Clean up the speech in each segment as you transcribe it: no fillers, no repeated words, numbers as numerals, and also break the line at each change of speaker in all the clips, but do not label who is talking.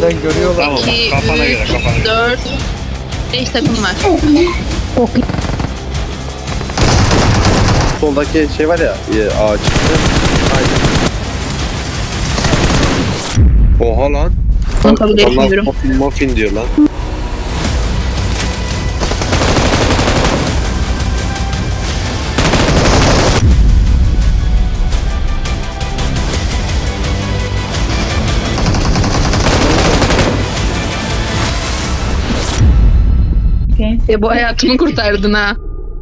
B'den görüyorlar.
Tamam,
2,
kafana göre,
3,
kafana göre.
4, 5 takım var.
Soldaki şey var ya ağaç. Aynen. Oha lan.
Onu kabul
Onlar
etmiyorum.
muffin diyor lan.
Bu hayatımı kurtardın ha.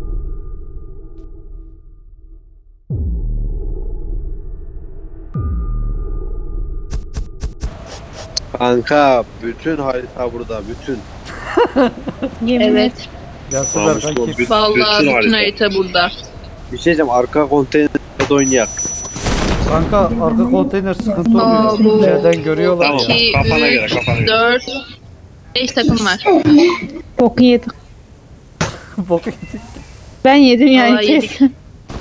Kanka bütün harita burada bütün.
Evet.
Gelsinler
Namuslu
kanki.
bütün
Vallahi bütün
harita.
harita burada.
Bir şey diyeceğim arka konteynerde oynayak.
Kanka arka konteyner sıkıntı
Aa,
oluyor.
bu-
B'den görüyorlar
Tamam.
ya.
2,
Kafana göre,
3,
kafana göre.
4, 5 takım var.
Boku yedim.
Bok yedik.
Ben yedim yani
Vallahi yedik.
kesin.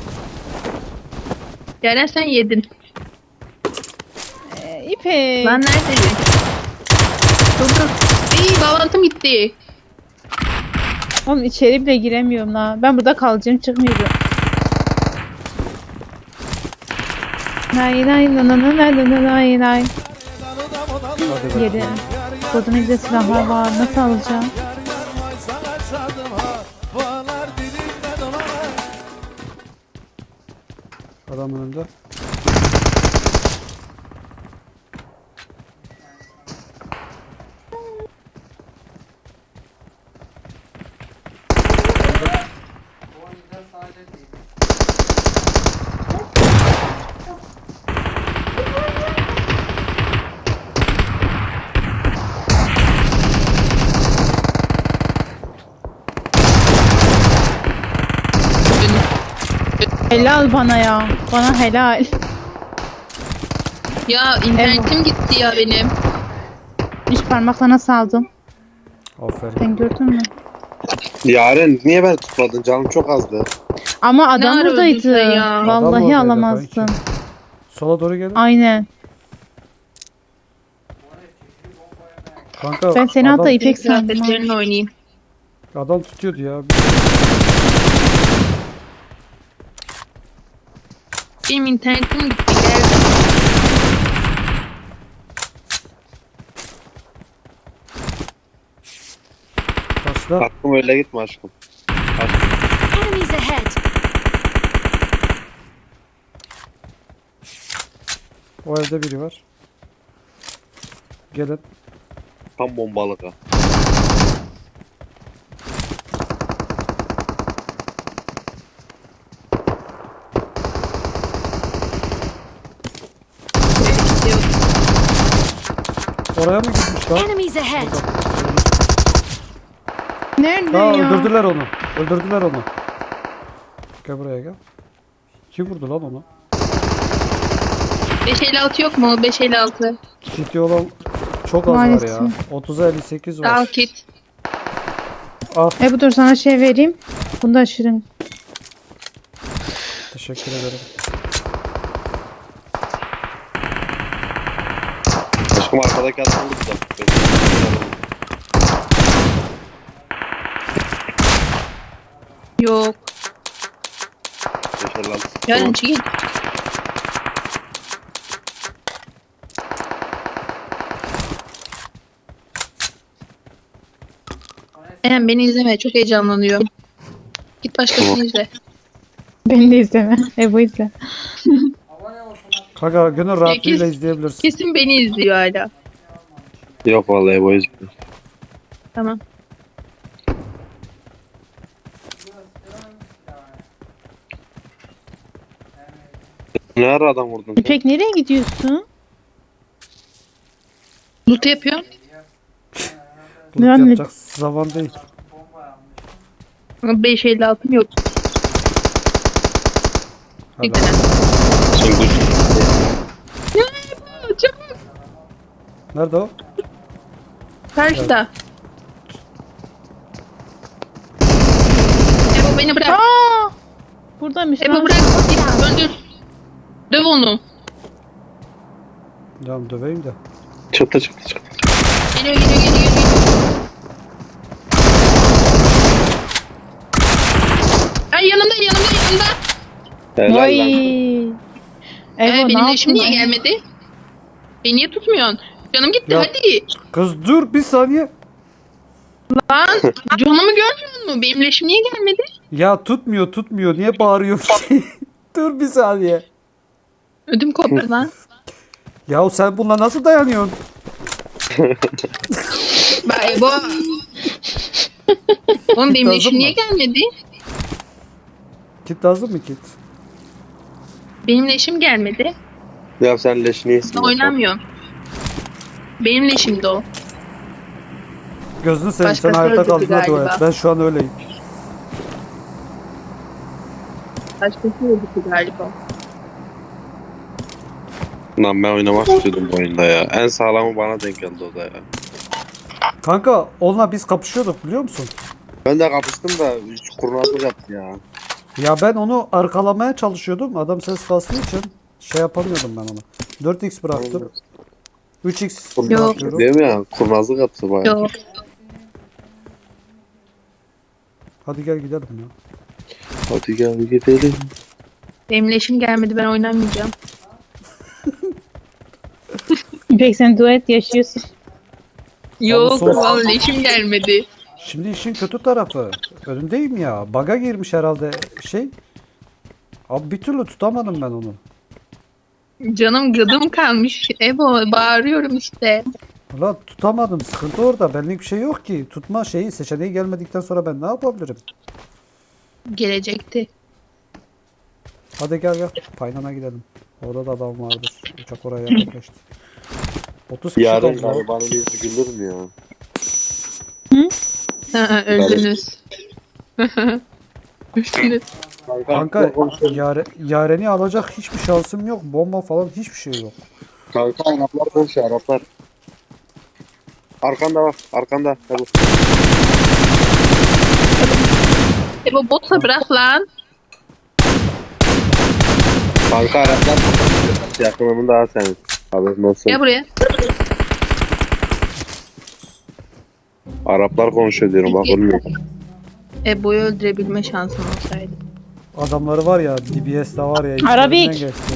Yaren sen yedin.
İpek.
Lan neredeydin? Dur dur. İyi bağlantım gitti.
Oğlum içeri bile giremiyorum la. Ben burada kalacağım çıkmıyorum. Nay nay nay nay nay nay nay nay.
Hadi be.
Yedi. Burada ne güzel silahlar var. Nasıl alacağım?
Adam önünde.
Helal bana ya. Bana helal.
Ya internetim gitti ya benim.
Üç parmakla nasıl aldım?
Aferin.
Sen gördün mü?
Yaren niye ben tutmadın canım çok azdı.
Ama adam
Ne ara öldün
buradaydı.
sen ya?
Adam
Vallahi
oradaydı
alamazdın.
kanki. Sola doğru gelin.
Aynen.
Kanka
Ben seni
adam,
hatta İpek sandım.
Kıyafetlerini oynayayım.
adam tutuyordu ya.
Benim internetim gitti. Geldim.
Taşla.
Aklım öyle gitme aşkım.
Enemies ahead!
O evde biri var. Gelin.
Tam bombalık ha.
Oraya mı gitmiş lan?
Enemies ahead!
Nerede
Aa,
ya?
öldürdüler onu. Öldürdüler onu. Gel buraya gel. Kim vurdu lan onu?
556 yok mu? 556.
Ciddi olan çok az var
Maalesef.
ya. 30'a 58 var.
Al kit.
Al.
Bu dur sana şey vereyim. Bunu da aşırım.
Teşekkür ederim.
Aşkım arkadaki adam burada.
Yok.
Yaşar lan.
Yaren çekil. Eren beni izleme. Çok heyecanlanıyorum. Git başkasını izle.
Beni de izleme. Bu izle.
Kanka gönül rahatlığıyla
Sekiz.
izleyebilirsin.
Kesin beni izliyor hala.
Yok vallahi bu yüzden.
Tamam.
Ne ara adam vurdun?
İpek nereye gidiyorsun?
Loot yapıyorum.
Loot
Yani-
yapacak zaman değil.
Ama 556'm yok.
Hala.
Bir tane.
Sen dur.
Çabuk.
Nerede o?
Karşıda. Ebo beni bırak.
Aa! Buradaymış
Ebo
lan.
bırak. Git öldür. Döv onu.
Tamam döveyim de.
Çıktı çıktı çıktı.
Geliyor. Ay yanımda.
Helal
Vay.
lan.
Evo ne
Benim leşim niye
yaptın?
gelmedi? Beni niye tutmuyorsun? Canım gitti
Ya.
hadi.
Kız dur bir saniye.
Lan canımı görmüyor musun? Benim leşim niye gelmedi?
Ya tutmuyor. Niye bağırıyorsun? Dur bir saniye.
Ödüm koptu lan.
Ya sen bununla nasıl dayanıyorsun?
Bak Ebo. Oğlum benim
Lazım
leşim
mı?
niye gelmedi?
Kit lazım mı kit?
Benim leşim gelmedi.
Ya sen leşini yesin.
Ben oynamıyorum. Benim leşimdi o.
Gözünü seveyim sen
Başkası
hayatta
öldürdü
kaldığına dua et.
galiba.
Ben şu an öyleyim.
Başkası öldü galiba.
Lan ben oynamak istiyordum bu oyunda ya. En sağlamı bana denk geldi o da ya.
Kanka onunla biz kapışıyorduk biliyor musun?
Ben de kapıştım da hiç kurnazlık yaptı ya.
Ya ben onu arkalamaya çalışıyordum. Adam ses kastığı için şey yapamıyordum ben ona. 4x bıraktım. 3x
Yok.
bırakıyorum.
Değil mi ya? Kurnazlık yaptı bayağı.
Yok.
Hadi gel gidelim ya.
Hadi gel gidelim.
Benim leşim gelmedi, ben oynamayacağım.
İpek sen duet yaşıyorsun.
Yok
sos.
vallahi leşim gelmedi.
Şimdi işin kötü tarafı. Önündeyim ya. Baga girmiş herhalde şey. Abi bir türlü tutamadım ben onu.
Canım gıdım kalmış. Ebo bağırıyorum işte.
Ulan tutamadım. Sıkıntı orada. Benlik bir şey yok ki. Tutma şeyi seçeneği gelmedikten sonra ben ne yapabilirim?
Gelecekti.
Hadi gel. Paynana gidelim. Orada da adam vardır. Uçak oraya yaklaştı. 30 kişi
Yarın
kaldı. lan.
garibanın yüzü gülür mü ya?
Ha, öldünüz. Öldünüz.
Kanka Yaren'i alacak hiçbir şansım yok. Bomba falan hiçbir şey yok.
Kanka Araplar konuşuyor Araplar. Arkanda bak arkanda. Hadi.
Ebo botsa bırak lan.
Kanka Araplar yakınımın daha senin. Haberin olsun.
Gel buraya.
Araplar konuşuyor diyorum bak olmuyor.
Ebo'yu öldürebilme şansım olsaydı.
Adamları var ya DBS'de var ya.
Arabik.
içlerinden geçti.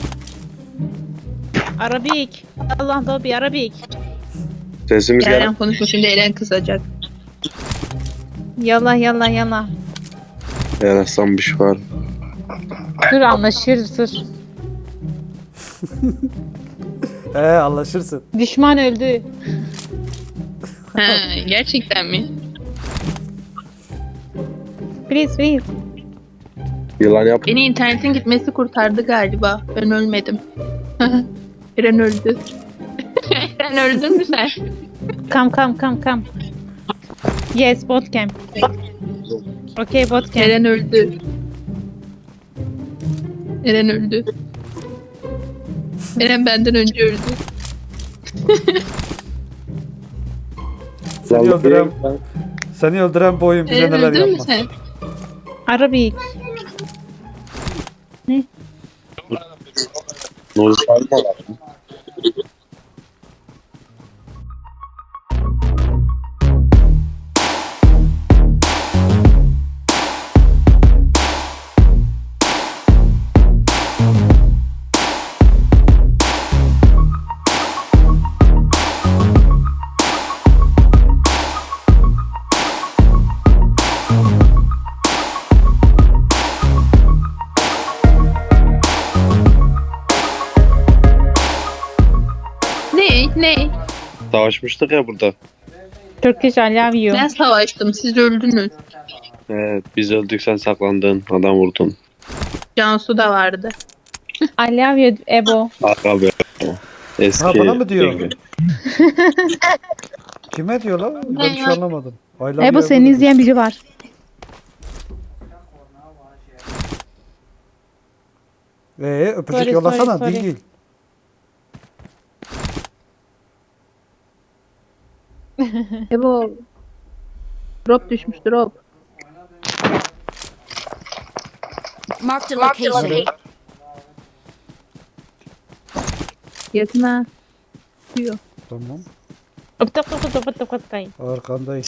Arabik. Allah da bir Arabik.
Sesimiz gel.
Eren konuşma, şimdi Eren kızacak.
Yallah.
Yarasam bir şey var.
Dur anlaşırız dur.
Anlaşırsın.
Düşman öldü.
Ha, gerçekten mi?
Please.
Yılan yap.
Beni internetin gitmesi kurtardı galiba. Ben ölmedim. Eren öldü. Eren öldün mü sen?
Come. Yes, bot camp. Okay, bot camp.
Eren öldü. Eren öldü. Eren benden önce öldü.
Seni öldüren bu oyun bize
Eren
neler
öldün mü
yapmaz.
sen?
Arabik.
Nuri Salim var.
Ne?
Savaşmıştık ya burada.
Turkish I love you.
Ben savaştım, siz öldünüz.
Evet biz öldük sen saklandın. Adam vurdun.
Cansu da vardı.
I love you Ebo.
Aga be. Eski.
Ha, bana mı diyor?
yenge.
Kime diyor lan? Ben hiç anlamadım. I love
Ebo
you
seni
dedi.
izleyen biri var.
Öpücük
Sorry,
yollasana
sorry.
değil.
Ebo. Drop düşmüş, drop.
Marked a location.
Yakına. Diyor.
Tamam. Arkandayım.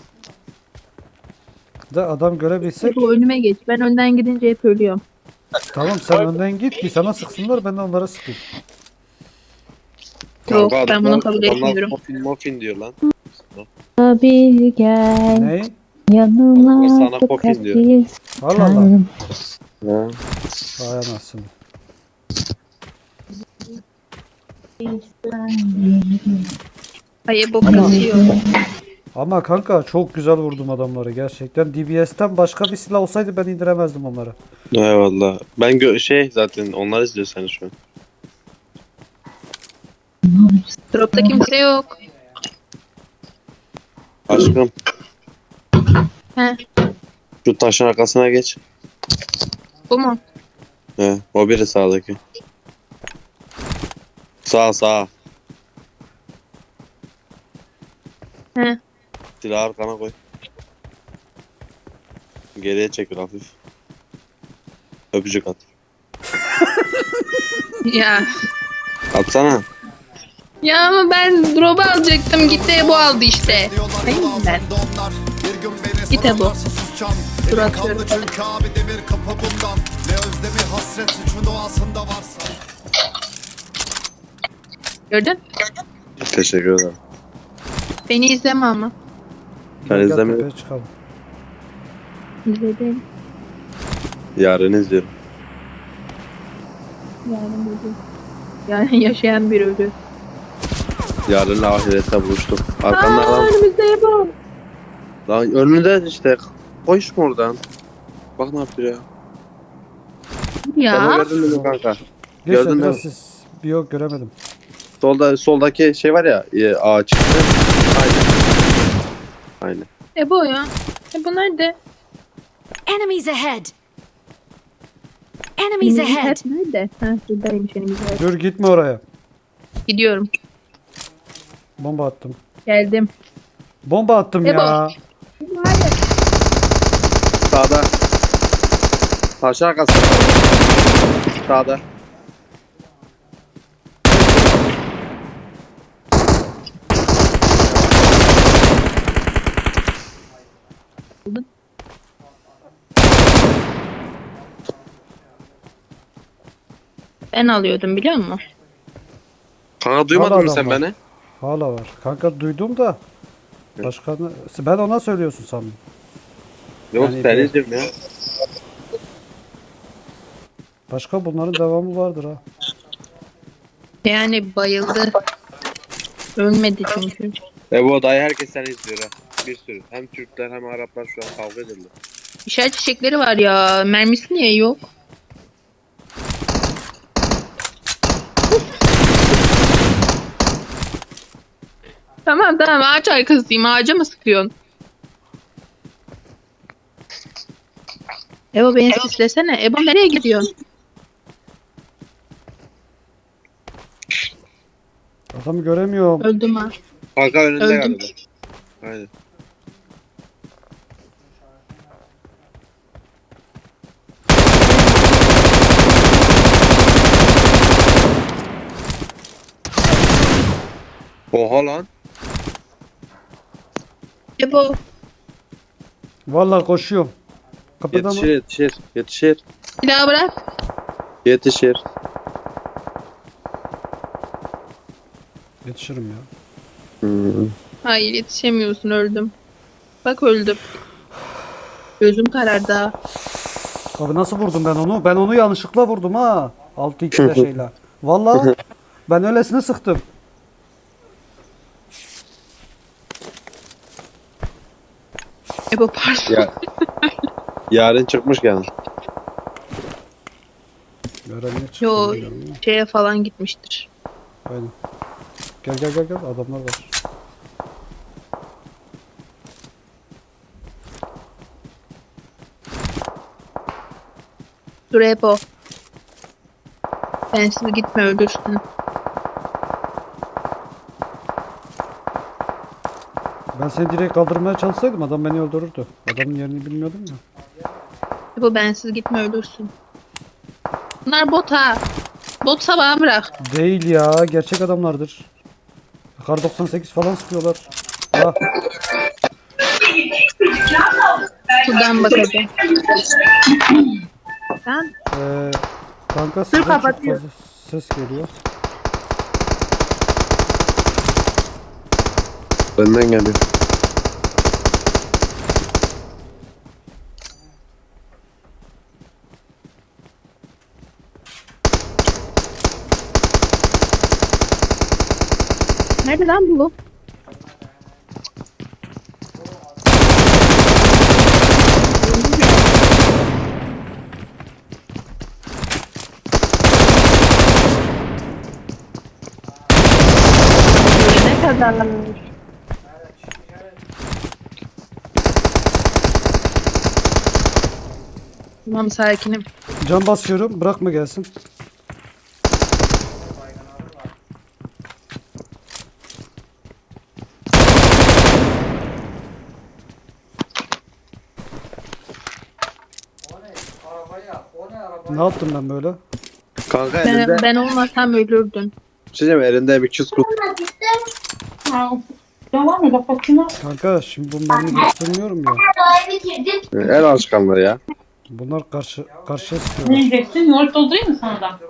De adam görebilsek.
Ebo önüme geç. Ben önden gidince hep ölüyorum.
Tamam sen önden git ki sana sıksınlar ben de onlara sıkayım.
Yok,
Kanka,
ben bunu kabul
adamlar
etmiyorum.
Muffin diyor lan.
Bir gel
Ne?
yanıma
Sana
bu
kopin diyor.
kalbi
Allah Allah.
sardım.
Ha.
Vay anasını.
Ay Ebo kasıyor.
Ama kanka çok güzel vurdum adamları gerçekten. DBS'ten başka bir silah olsaydı ben indiremezdim onları.
Eyvallah. Ben zaten onlar izliyor seni şu an.
Dropta kimse yok.
Aşkım
He,
şu taşın arkasına geç.
bu mu?
He, o biri sağdaki. Sağ.
He.
Silahı arkana koy. Geriye çekil hafif. Öpücük at.
Ya.
Atsana.
Ya ama ben drop'u alacaktım. Gitti Ebo aldı işte. Hayır ben. Git Ebo. Dur atıyorum.
Çünkü abi demir kapı bundan. Ne özlemi hasret suçun doğasında varsa.
Gördün?
Teşekkür ederim.
Beni izleme ama.
Ben
Gel
izlemiyorum.
tepeye çıkalım.
İzledim.
Yarın izliyorum.
Yani yaşayan bir ölü.
Yarın ahirette buluştuk. Arkanda lan.
Önümüzde Ebo.
Lan önünde işte. Koş mu oradan? Bak ne yapıyor ya. Sen o
Ya.
gördün mü kanka?
Geç
Gördün
sen
mü?
biraz siz. Bir yok göremedim.
Soldaki şey var ya ağaç. Aynen.
Ebo ya. Ebo nerede?
Enemies ahead! Enemies ahead!
Hep nerede? Ha şuradaymış elimizde.
Dur gitme oraya.
Gidiyorum.
Bomba attım.
Geldim.
Bomba attım
Ebo.
ya.
Sağda. Taşın arkası. Sağda.
Ben alıyordum biliyor musun?
Kanka duymadın mı
Hala
sen
var.
beni?
Hala var. Kanka duydum da. Başkanı ben ona söylüyorsun sandım.
Yok
Yani
seni
bir-
izliyorum ya.
Başka bunların devamı vardır ha.
Yani bayıldı. Ölmedi çünkü.
Bu odayı herkes seni izliyor ha. Bir sürü. Hem Türkler hem Araplar şu an kavga ediyorlar.
İşaret çiçekleri var ya. Mermisi niye yok? Tamam ağaç arkasıyım. Ağaca mı sıkıyorsun? Ebo beni sislesene. Ebo nereye gidiyorsun?
Adamı göremiyorum.
Öldüm ha.
Kanka önünde
Öldüm.
galiba. Aynen. Oha lan.
Ebo.
Vallahi koşuyorum. Kapıda mı?
Yetişir.
Silahı bırak.
Yetişir.
Yetişirim ya.
Hayır yetişemiyorsun öldüm. Bak öldüm. Gözüm karardı ha.
Abi nasıl vurdum ben onu? Ben onu yanlışlıkla vurdum ha. 6x'le şeyle. Vallahi ben öylesine sıktım.
Ebo pardon.
Ya. Yarın çıkmış yani.
Öğrenmeye çıktım.
Yo
bilmiyorum ama.
şeye falan gitmiştir.
Aynen. Gel adamlar var.
Dur Ebo. Bensiz gitme ölürsün.
Ben seni direkt kaldırmaya çalışsaydım adam beni öldürürdü. Adamın yerini bilmiyordum ya.
Ebo bensiz gitme ölürsün. Bunlar bot ha. Botsa bana bırak.
Değil ya gerçek adamlardır. Kar 98 falan sıkıyorlar. Ah,
Şuradan bakacağım. Ben
kanka sizden çok
kapatıyorum.
fazla ses geliyor.
Benden geliyor.
nerede lan bu? Ne kadar? Tamam sakinim.
Can basıyorum. Bırakma gelsin. Ne yaptım ben böyle?
Kanka elinde,
Ben olmasam ölürdün.
Şeyim elinde bir küs kutu.
Kanka şimdi bu mermi göstermiyorum ya.
El alışkanlığı ya.
Bunlar karşıya
Ne
sıkıyorlar.
yiyeceksin? Yoğurt doldurayım mı sana da?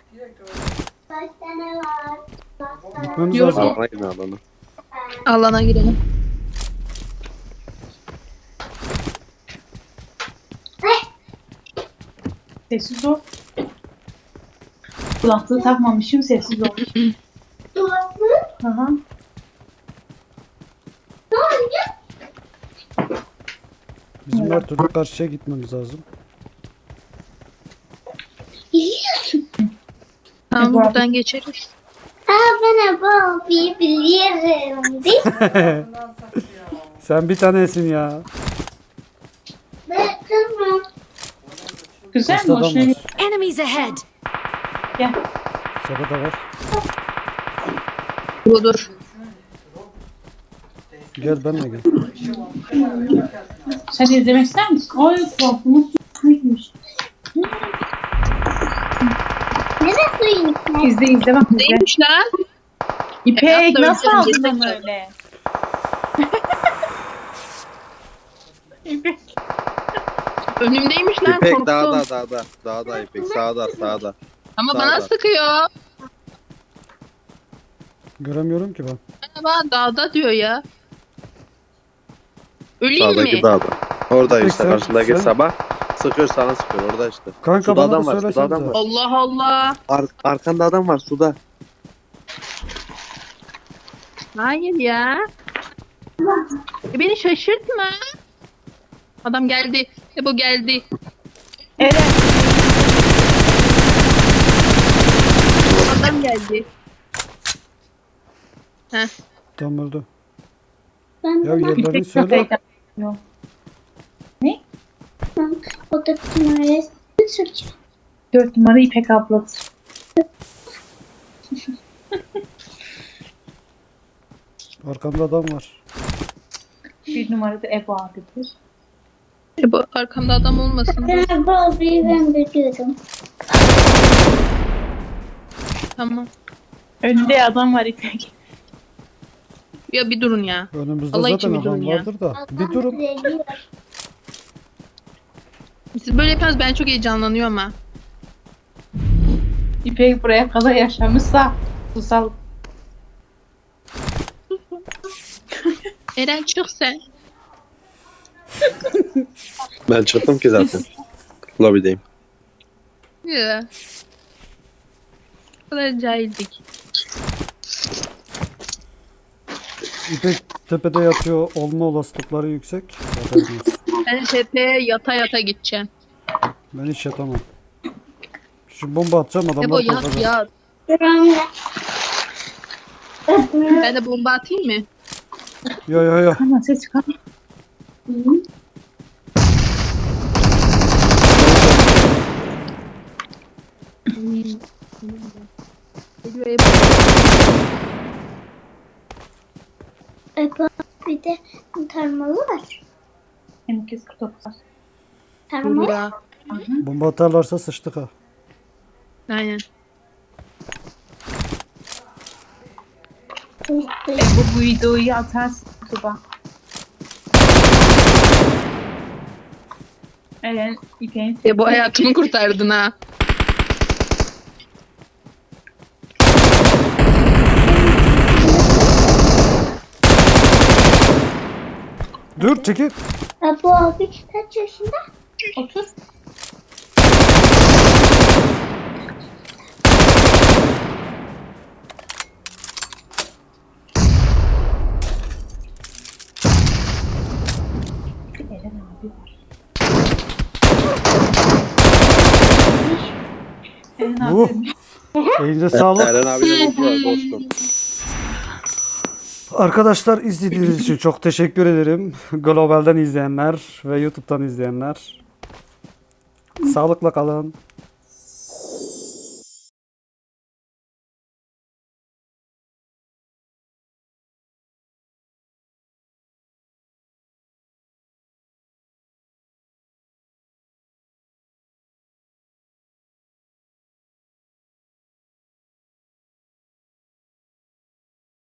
Gitmemiz
Yok.
lazım.
Alana gidin alana.
Alana girelim.
Sessiz ol. Kulaklığı takmamışım, sessiz ol. Aha.
Bizim her türlü karşıya gitmemiz lazım.
Tamam
bu arada-
buradan geçeriz.
Ben bu biliyorum değil mi?
Sen bir tanesin ya.
Tamam.
Güzel mi?
Karşıda adam
Hoşuna
var.
gitti.
Enemies ahead!
Gel.
Sabah var.
Budur.
Gel benimle gel.
Sen de izlemek ister misin? Ay kulaklığımız gitmiş.
Neresi iyi?
İzle izle bak izle.
Neymiş lan?
İpek
Yaptım,
nasıl
izledim,
aldın
izledim.
onu öyle? İpek.
Önümdeymiş lan
İpek
korktum.
dağda İpek sağda.
Ama
Sağda.
bana sıkıyor.
Göremiyorum ki ben.
Bana dağda diyor ya. Öleyim
Sağdaki
mi?
dağda. Orada
İpek
işte
sen-
karşındaki
sen-
sabah sıkıyor sana sıkıyor orada işte.
Kanka
Suda
bana
adam
da
var, suda adam
söylesenize.
var.
Allah Allah.
Arkanda adam var suda.
Hayır ya. Beni şaşırtma. Adam geldi. Bu geldi.
Eren.
Adam geldi. Heh.
Tam öldü.
Ben
Ya yerlerini
İpek
söyle.
kafayı takmıyor.
o da numarası Türk.
4 numara İpek ablası.
Arkamda adam var.
1 numara da Ebu abidir.
Bu arkamda adam olmasın.
Ben bu ben biliyorum.
Tamam.
Önünde adam var İpek.
Ya bir durun ya.
Önümüzde
Allah
zaten
için bir
adam
durun ya.
vardır da. Bir durun.
Siz böyle yapıyorsunuz ben çok heyecanlanıyorum ha.
İpek buraya kadar yaşamışsa susal.
Eren çık sen.
Ben çıktım ki zaten. Lobideyim.
Ya. Bu kadar cahildik.
İpek tepede yatıyor olma olasılıkları yüksek. Haberiniz olsun.
Ben tepeye yata yata gideceğim.
Ben hiç yatamam. Şu bomba atacağım
Ebo
adamlar
yat
korkacak.
yat.
Buramda.
Ben de bomba atayım mı?
Yo.
Ama ses çıkar.
Geliyor Ebo.
Bir de tarmalı var.
M249.
Tarmalı.
Ya.
Bomba atarlarsa sıçtık ha.
Aynen.
Bu videoyu atarsın YouTube'a. Eren İpek'in
Bu hayatımı kurtardın ha.
Dur çekil.
Bu abi kaç yaşında?
30. Eren abi var. Eren
Bu.
abi.
Elinize sağlık.
Eren abiyle vurdular dostum.
Arkadaşlar izlediğiniz için çok teşekkür ederim. Global'den izleyenler ve YouTube'dan izleyenler. Sağlıkla kalın.